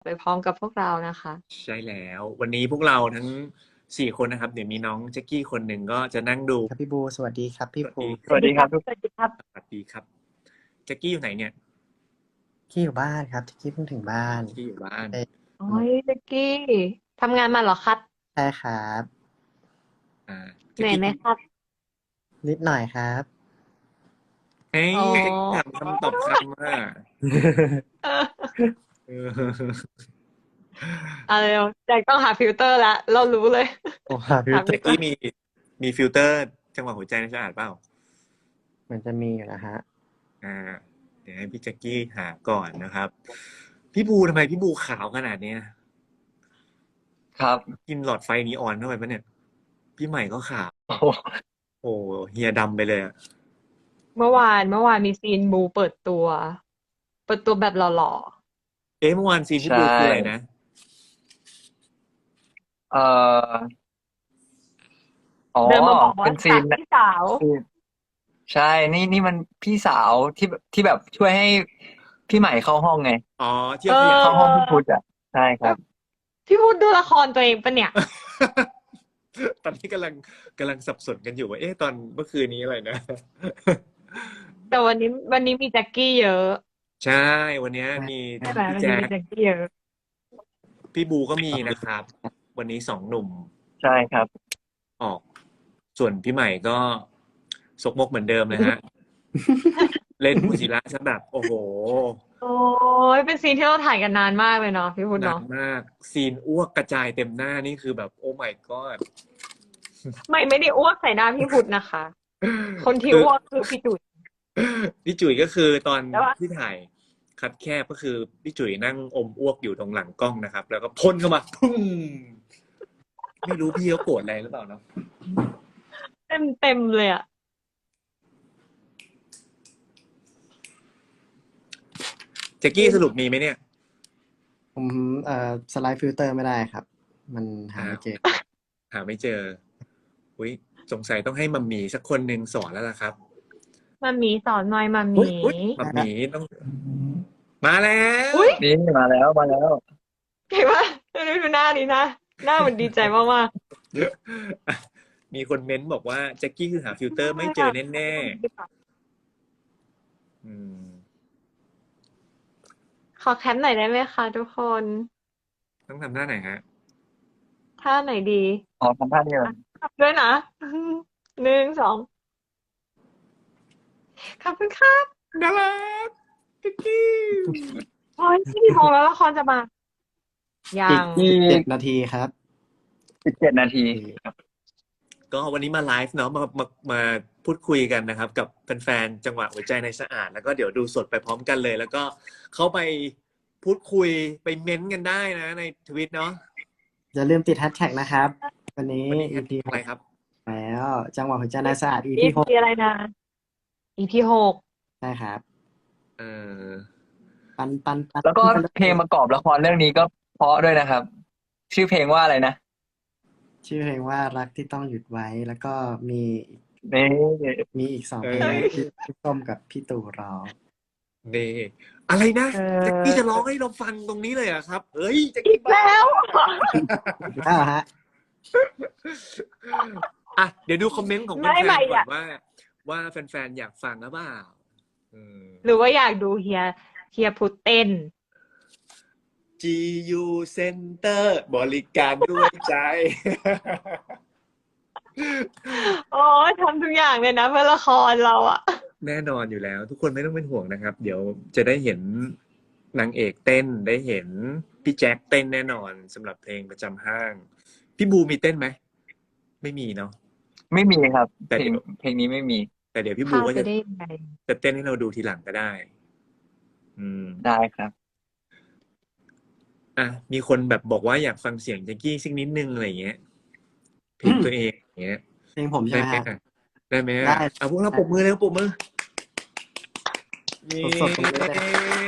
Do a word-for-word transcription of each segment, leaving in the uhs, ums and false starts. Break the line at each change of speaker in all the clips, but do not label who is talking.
ไปพร้อมกับพวกเรานะคะ
ใช่แล้ววันนี้พวกเราทั้งสี่คนนะครับเดี๋ยวมีน้องแจ็คกี้คนหนึ่งก็จะนั่งดู
ครับพี่บูสวัสดีครับพี่ภู
ส
ส
วั
วั
ส
ส
ดี
ดี
ค
ค
รั
รับ บ สวัสดีครับ
สวัสดีครับแจ็คกี้อยู่ไหนเนี่ย
กี้อยู่บ้านครับกี้เพิ่งถึงบ้าน
แจ็คกี้อยู่บ้าน
เอ้ย
โอ้ยเจ๊กกี้ทำงานมาเหรอครับ
ใช่ครับ
อ่า
เหนื่อยไหมครับ
นิดหน่อยครับ
เฮ้ย
อ๋อ
แจ็คกี้ถามคำตอบคำว่า
เออ
เออ
เอาเร็วแจ็คต้องหาฟิลเตอร์แล้วเรารู้เลย
โอ้หาฟิล
หา
เตอ
แจ็ค
ร์
กี้มีมีฟิลเตอร์จังหวะหัวใจในสะอาดเปล่า
เหมือนจะมีอยู่นะฮะ
อ่า เดี๋ยวให้พี่แจ็คกี้หาก่อนนะครับ พี่บูทำไมพี่บูขาวขนาดเนี้ย
ครับ
กินหลอดไฟนีออนเข้าไปปะเนี่ย พี่ใหม่ก็ขาว
โอ้โห
โอ้เฮียดำไปเลยอะ
เมื่อวานเมื่อวานมีซีนบูเปิดตัว เปิดตัวแบบหล่อ
เอ๊ะเมื่อวานซีนพี่
ใช่
บูคืออะไรนะ
เอ่ออ๋อ
ๆเดินมาบอกว่า
เป็นซี
จาก
น
พี่สาว
ซีนใช่ นี่นี่มันพี่สาวที่แบบที่แบบช่วยให้พี่ใหม่เข้าห้องไง
อ๋อที่
เอ
เขาขยัน
อ
เข้าห้องพี่พุทธอ่ะ ใช่ครับ
พี่พูดดูละครตัวเองปะเนี่ย
ตอนนี้กำลังกำลังสับสนกันอยู่ว่าเอ๊ะตอนเมื่อคืนนี้อะไรนะ
แต่วันนี้วันนี้มีแจ็คกี้เยอะ
ใช่วันนี้มี
ใช่ไหม
พี่
วัน
แจ๊
นี้มี
ค
แจ็คกี้เยอะ
พี่บูก็มีนะครับ วันนี้สองหนุ่ม
ใช่ครับ
ออก ส่วนพี่ใหม่ก็ซกมกเหมือนเดิมเลยฮะ เล่นมูจิระซะแบบโอ้โห
โอ้ยเป็นซีนที่เราถ่ายกันนานมากเลยเนาะพี่พูด
หนั
เนาะ
กมาก ซีนอ้วกกระจายเต็มหน้านี่คือแบบโอ้ my god
ไม่ไม่ได้อ้วกใส่หน้าพี่พุทธนะคะ คนที่
คือ
อ้วกคือพี่จุ๋ย
พี่จุ๋ยก็คือตอน
แต่ว่า
ที่ถ่ายคัดแคบก็คือพี่จุ๋ยนั่งอมอ้วกอยู่ตรงหลังกล้องนะครับ แล้วก็พ่นเข้ามาพุ่งไม่รู้พี่เขาโกรธอะไรหรือเปล่าเนาะ
เต็มเต็มเลยอ่ะ
แจ็คกี้สรุปมีไหมเนี่ย
ผมเอ่อสไลด์ฟิลเตอร์ไม่ได้ครับ มันหาไม่เจอ
หาไม่เจออุ้ยสงสัยต้องให้มัมหมี่สักคนหนึ่งสอนแล้วล่ะครับ
มามีสอนหน่อยมามี
อุ๊ยมัมหมี่ต้อง มาแล้ว
อุ๊ย
นี่มาแล้วมาแล้ว
เห็นปะดูดูหน้านี้นะ หน้ามันดีใจมาก
มีคนเม้นบอกว่าแจ็คกี้คือหาฟิลเตอร์ไม่เจอแน่ๆอืม
ๆ ขอแคปหน่อยได้ไหมคะทุกคน
ต้องทำหน้าไหนฮะ
ท่าไหนดี
อ๋อทำท่านี้เลย
ทำด้วยนะ หนึ่งสองขอบคุณครับ
น่ารักแจ็คกี้
โอ้ยที่กี่โมงแล้วละครจะมา ยั
อีก
ง
สิบเจ็ดนาทีครับ
สิบเจ็ดนาทีครับ
ก็วันนี้มาไลฟ์เนาะมามามาพูดคุยกันนะครับ กับแฟนๆจังหวะหัวใจในสะอาด แล้วก็เดี๋ยวดูสดไปพร้อมกันเลย แล้วก็เข้าไปพูดคุยไปเม้นต์กันได้นะในทวิตเนาะ
อย่าลืมติดแฮชแท็กนะครับ วันนี้
วันนี้
อี พี
อะไรครับ
แล้ว จังหวะหัวใจในสะอาด อี
อี
พี หก
พีอะไรนะ อีพีหก
ใช่ครับ
เออ
ปันปันปัน
แล้วก็เพลงประกอบละครเรื่องนี้ก็เพราะด้วยนะครับ ชื่อเพลงว่าอะไรนะ
ชื่อเพลงว่ารักที่ต้องหยุดไว้ แล้วก็มี
นี่
มีอีกสอง
เอ
เพล
อ
งที่พี่ส้มกับพี่ตู่ร้อง
นี่อะไรนะ
เออ
แจ็คกี้จะร้องให้เราฟังตรงนี้เลยเหรอะครับ เฮ้ยแจ็ค
อี
กี้
กแล้ว
อ้าวฮะ
อ่ะเดี๋ยวดูคอมเมนต์ของแฟ
ไม่
น
ไม่
ๆก่อ
อะ
นว่า ว่าแฟนๆอยากฟังหรือเปล่าอืม
หรือว่าอยากดูเฮียเฮียพุทธเต้น
จี ยู Center บริการด้วยใจ
โอ้ยทำทุกอย่างเลยนะเพื่อละครเราอะ
แน่นอนอยู่แล้ว ทุกคนไม่ต้องเป็นห่วงนะครับ เดี๋ยวจะได้เห็นนางเอกเต้นได้เห็นพี่แจ็คเต้นแน่นอนสำหรับเพลงประจำห้าง พี่บูมีเต้นไหมไม่มีเนาะ
ไม่มีครับ
แต่
เพล
เดี๋
ง
ยว
เพลงนี้ไม่มี
แต่เดี๋ยวพี่บู
ข้าว
ก็
จะ
จะ
ได้ยังไง
จะเต้นให้เราดูทีหลังก็ได้ อืม
ได้ครับ
อ่ะมีคนแบบบอกว่าอยากฟังเสียงแจ็คกี้สักนิดนึงอะไรอย่างเงี้ยเพลงตัวเองอย่างเงี้ย
เพลงผมใช่
ได้
ไหม
ไหม
ฮะ
ได้ไหม
ได้
เอาพวกเราปรบมือแล้วปรบมือนี่
สดๆตรงนี้เลย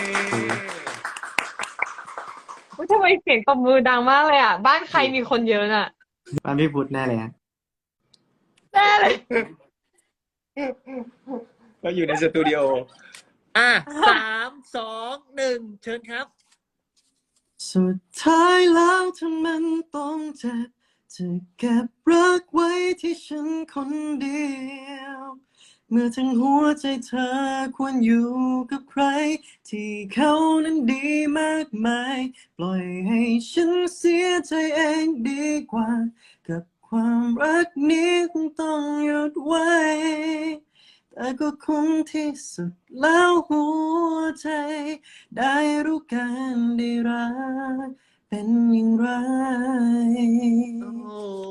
อุ๊ยทำไมเสียงตบมือดังมากเลยอ่ะ บ้านใครมีคนเยอะน่ะ
บ้านพี่พุทธแน่เลยฮะ
แน่เลย
เราอยู่ในสตูดิโอ อ่ะสามสองหนึ่งเชิญครับ
สุดท้ายแล้วถ้ามันต้องเจ็บจะเก็บรักไว้ที่ฉันคนเดียว เมื่อทั้งหัวใจเธอควรอยู่กับใคร ที่เขานั้นดีมากมาย ปล่อยให้ฉันเสียใจเองดีกว่า กับความรักนี้คงต้องหยุดไว้ แต่ก็คงที่สุดแล้วหัวใจ ได้รู้กันได้รักเป็นอย่างไร
โอ้โห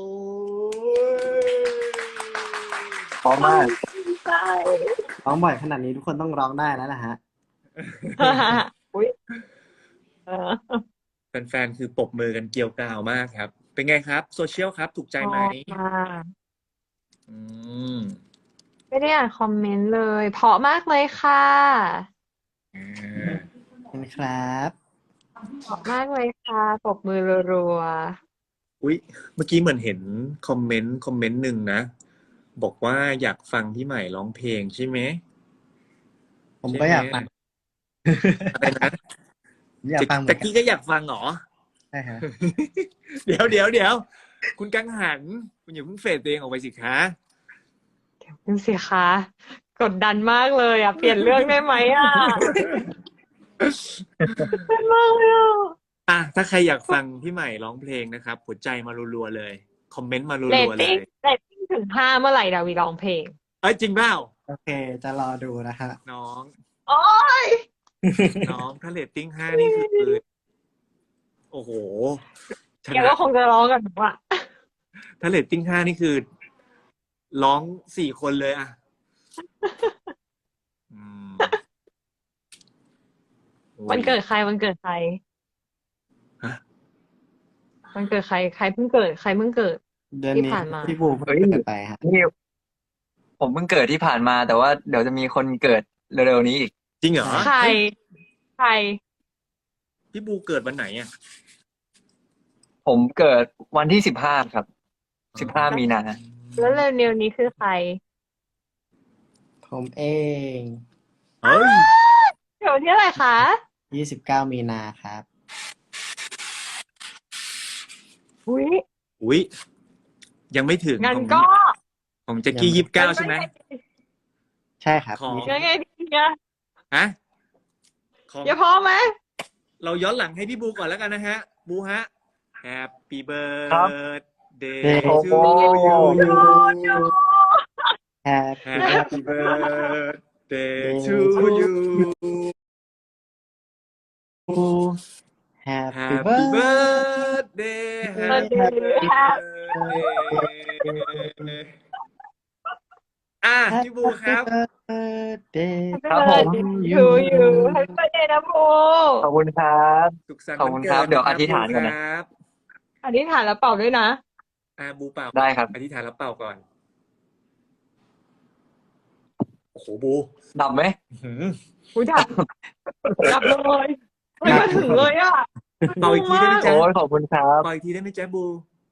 พร้อมมาก
ใช่
ร้องบ่อยขนาดนี้ทุกคนต้องร้องได้แล้วล่ะฮะ
อุ้ยเออ
แฟนๆคือปรบมือกันเกรียวกราวมากครับ เป็นไงครับโซเชียลครับ ถูกใจไหม
ชอบมาก
อืม
ไม่ได้อ่านคอมเมนต์เลย เพราะมากเลยค่ะ
อ่า
ขอบคุณครับ
เพราะมากเลยค่ะปรบมือรัว
อุ๊ยเมื่อกี้เหมือนเห็นคอมเมนต์คอมเมนต์หนึ่งนะ บอกว่าอยากฟังพี่ใหม่ร้องเพลงใช่ไหม
ผมก็อยากฟัง
อะไรนะ
ผมอยากฟังเหมื
ตะ
อนกัน
กี้ก็อยากฟังเหรอ
ใช่ฮะ
เดี๋ยวเดี๋ยวเดี๋ยวคุณกังหัน คุณอย่าเพิ่งเฟดตัวเองออกไปสิคะ
ๆดูสิคะกดดันมากเลยอ่ะ เปลี่ยนเรื่องได้ไหมอ่ะเป็นมากเลยอ่ะ
อ่ะถ้าใครอยากฟังพี่ใหม่ร้องเพลงนะครับหัวใจมารัวๆเลย คอมเมนต์มา
เร
รั
ต
วๆเล
ติ้ง
ย
เรตติ้งถึงห้าเมื่อไหร่ดาวีร้องเพลง
เอ้ยจริงเปล่า
โอเค จะรอดูนะฮะ
น้อง
โอ้ย
น้องถ้าเรตติ้งห้านี่คือ โอ้โหช
แก
นะ
ก็คงจะร้องกันหนูอ่ะ
ถ้าเรตติ้งห้านี่คือ ร้องสี่คนเลยอ่ะอืมโอ้ย
วันเกิดใครวันเกิดใคร
ฮะ
วันเกิดใครใครเพิ่งเกิดใครเพิ่งเกิด
เดือน
ที่
นี้
ผ่านมา
พี่บูเพิ่ง
เฮ้ย
เกิดไปฮะ
นี่ผมเพิ่งเกิดที่ผ่านมา แต่ว่าเดี๋ยวจะมีคนเกิดเร็วๆนี้อีก
จริงเหรอ
ใคร
เฮ้ย
ใคร
พี่บูเกิดวันไหนอ่ะ
ผมเกิดวันที่สิบห้าครับ สิบห้ามีนา
แล้วเร็วๆนี้คือใคร
ผมเอง
เฮ้ย
เดี๋ยวที่อะไรคะ
ยี่สิบเก้ามีนาครับ
อุ้ย
อุ๊ยยังไม่ถึง
งั้น
ของ
ก็
ของแจ็คกี้ยี่สิบเก้าใช่ไหม
ใช่ครับ
ของ
ยี่สิบ
ยังไงดีอะ
ฮะของ
อย่าพอไหม
เราย้อนหลังให้พี่บูก่อนแล้วกันนะฮะ บูฮะ Happy
ครับ
birthday
เดย์
to
โอ้
you
แฮปปี้
Happy birthday to you
แฮปปี้
Happy
เบิร์ด
birthday Happy birthday อ่ะพี่บูครับ
birthday
ครับผม
ยูยูให้ไปเดนะโบ
ขอบคุณครับ
สุขสันต์
ขอบ
วั
คุ
น
ณ
เกิ
ครับ
ด
เดี๋ยว
ะค
อ
รับ
ธิษฐาน
บู
ก่อน
ค
นะ
รับ
อธิษฐานแล้วเป่าด้วยนะ
อ่ะบูเป่า
ได้ครับ
อธิษฐานแล้วเป่าก่อน โอ้โหบู
ดับไหม
หืม
อุ้ยดับดับเลยไม่มาถึงเลยอ่ะ
เป่าอีกทีได้ไหมจ๊ะ
โอ้ยขอบคุณครับ
เป่าอีกทีได้ไหมจ๊ะบู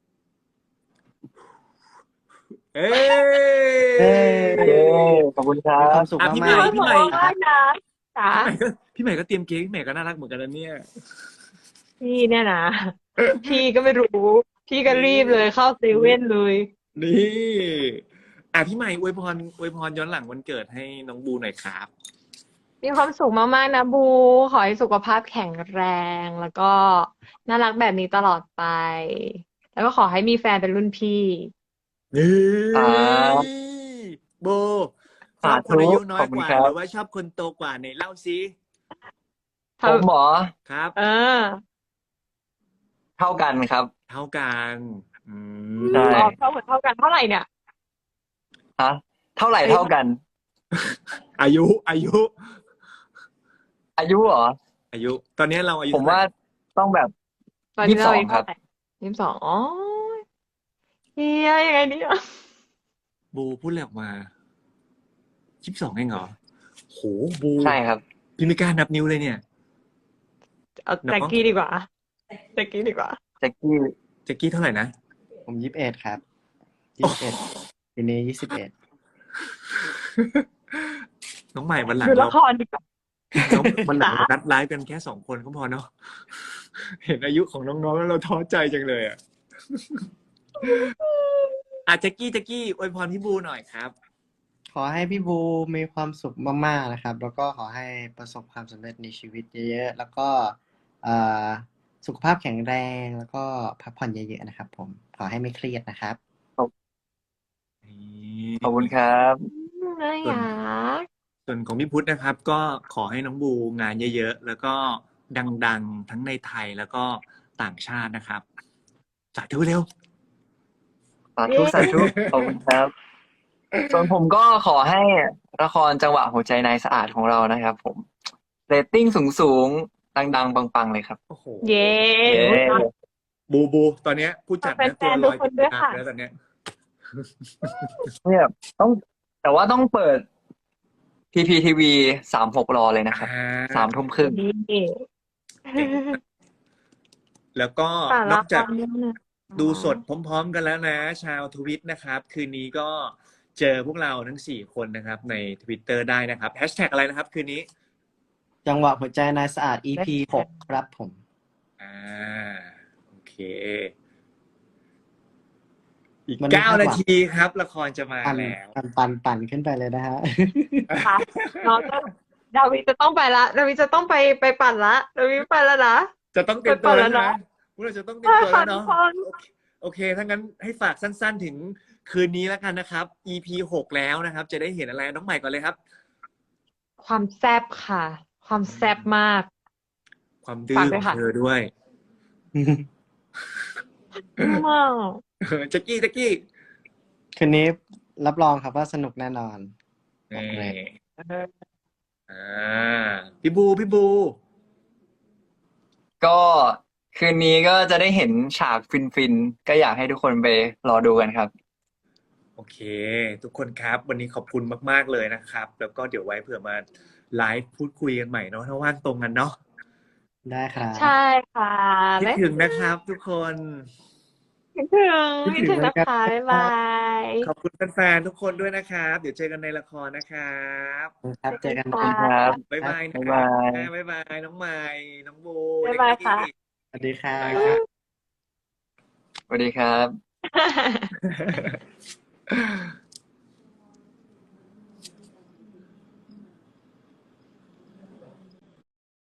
เอ้
เอ้
เย้
ย
ขอบคุณครั
มีควา
บ
มสุข
อ่ะ
มาก
พี่
ๆ
ใหม่พี่ใหม่
มากนะจ๋า
พี่ใหม่ก็พี่ใหม่ก็เตรียมเค้กพี่ใหม่ก็น่ารักเหมือนกันนะเนี่ย
พี่เนี่ยนะ พี่ก็ไม่รู้ พี่ก็รีบเลยเข้าเซเว่นเลย
นี่อ่ะพี่ใหม่อวยพรอวยพรย้อนหลังวันเกิดให้น้องบูหน่อยครับ
มีความสุขมากๆนะบู ขอให้สุขภาพแข็งแรง แล้วก็น่ารักแบบนี้ตลอดไป แล้วก็ขอให้มีแฟนเป็นรุ่นพี่
นี่
ครับ
โบชอบคน
สาธุ
อายุน้อ
ข
ย
อบคุ
ก
ณ
ว่า
ครับ
หรือว่าชอบคนโตกว่าในเล่าซิ
ผมหมอ
ครับ
เออ
เท่ากันครับ
เท่ากันอืม
ใช่
ออกเท่าเหมือนเท่ากันเท่าไหร่เนี่ย
ฮะ เท่าไหร่เท่ากัน
อายุอายุ
อายุเหรอ
อายุ ตอนนี้เราอายุ
ผมว่าต้องแบบ
ตอนนี้เรา
ยี่สิบสอง
อายุเท่าไหร่ยี่สิบสองอ๋อเฮียยังไงเนี่ย
บูพูดเลยออกมายี่สิบสองเองเหรอโหบู
ใช่ครับ
พี่ไม่กล้านับนิ้วเลยเนี่ย
เอา
เนอะ
แจ็คกี้ดีกว่าแจ็คกี้ดีกว่า
แจ็คกี้
แจ็คกี้เท่าไหร่นะ
ผมยี่สิบเอ็ดครับยี่สิบเอ็ดปีนี้ยี่สิบเอ็ด
น้องใหม่วันหลัง
ดูละ
เรา
ครดีกว่า
น้องวันหลัง
จ๋า
เรานัดไลฟ์กันแค่สองคนก็พอเนาะ เห็นอายุของน้องๆแล้วเราท้อใจจังเลยอ่ะ อาแจ็กกี้แจ็กกี้อวยพรพี่บูหน่อยครับ
ขอให้พี่บูมีความสุขมากๆนะครับ แล้วก็ขอให้ประสบความสำเร็จในชีวิตเยอะๆ แล้วก็เอ่อสุขภาพแข็งแรง แล้วก็พักผ่อนเยอะๆนะครับผม ขอให้ไม่เครียดนะครับ
ขอบคุณครับ
น่า
ส่วน
รัก
ส่วนของพี่พุทธนะครับ ก็ขอให้น้องบูงานเยอะๆ แล้วก็ดังๆ ทั้งในไทยแล้วก็ต่างชาตินะครับ สาธุเร็ว
สาธุสาธุขอบคุณครับ ส่วนผมก็ขอให้ละครจังหวะหัวใจนายสะอาดของเรานะครับ ผมเรตติ้งสูงๆดังๆปังๆเลยครับ
โอ้โห
เย้
เย้
บูบู ตอนเนี้ยผู้จัด
ขอบ
นะ
แฟ
ตัวน
ๆ
ลอย
ทุกคนด้วย
น้ำ
ค่ะ
แล้วตอนเนี้ย
เนี่ยต้องแต่ว่าต้องเปิด พี พี ที วี สามหกรอเลยนะครับ
อ่า
สามทุ่มครึ่ง
นี่
เก่งมากแล้วก็
ฝาก
น
ละ
อก
ค
จาก
รด้วยนะ
ดูสดพร้อมๆกันแล้วนะ ชาวทวิตนะครับ คืนนี้ก็เจอพวกเราทั้งสี่คนนะครับ ใน Twitter ได้นะครับแฮชแท็กอะไรนะครับ คืนนี้
จังหวะหัวใจนายสะอาด อี พี หกครับผม
อ่า โอเค อีก
มัน
เก้า
คาดหวั
นาง ทีครับ ละครจะมา
ปั่น
แล้ว
ปั่นปั่นปั่นขึ้นไปเลยนะฮะ
ค่ะน้องจะดาวิจะต้องไปละดาวิจะต้องไปไปปั่นละดาวิไปแล้วนะ
จะต้องเตรียมตัว
ไป
แล้ว
เปิดแล้ว
นะ
เนอะ
พวกเราจะต้องเตรียมตัวแล้วเนาะ
ใช่ค่ะทุกคน
โอเคโอเค ถ้างั้นให้ฝากสั้นๆถึงคืนนี้แล้วกันนะครับ อี พี หกแล้วนะครับ จะได้เห็นอะไรน้องใหม่ก่อนเลยครับ
ความแซ่บค่ะ ความแซ่บมาก
ความดื้
ฝา
อก
ด้
ข
วย
อง
ค่ะ
เธอด้วย
มาก
แจ็กกี้แจ็กกี้
คืนนี้รับรองครับว่าสนุกแน่นอน บอก
นี่
เลย
อ่าพี่บูพี่บู
ก็คืนนี้ก็จะได้เห็นฉากฟินๆ ก็อยากให้ทุกคนไปรอดูกันครับ
โอเค ทุกคนครับ วันนี้ขอบคุณมากๆเลยนะครับ แล้วก็เดี๋ยวไว้เผื่อมาไลฟ์พูดคุยกันใหม่เนาะถ้าว่างตรงกันเนาะ
ได้ครับ
ใช่ค่ะ
คิด
บ๊าย
ถึงนะครับ ทุกคน
คิดถึง
คิด
คิด
ถึ
ถึ
ง
ง
เหมือ
นะ
นกัน
คะ บ๊ายบาย
ขอบคุณแฟนๆทุกคนด้วยนะครับ เดี๋ยวเจอกันในละครนะครับ
ครับ เจอกัน
ขอบ
นะ
คุณครับ
บ๊ายบายนะ
บ๊าย
ครับ
าย
บ๊ายบายน้องใหม่น้องบู
บ๊ายบายค่ะ
แจ็กกี้
สวัสดีครั
บ๊าย
บ
บาย
สวัสดีครับ
ครับ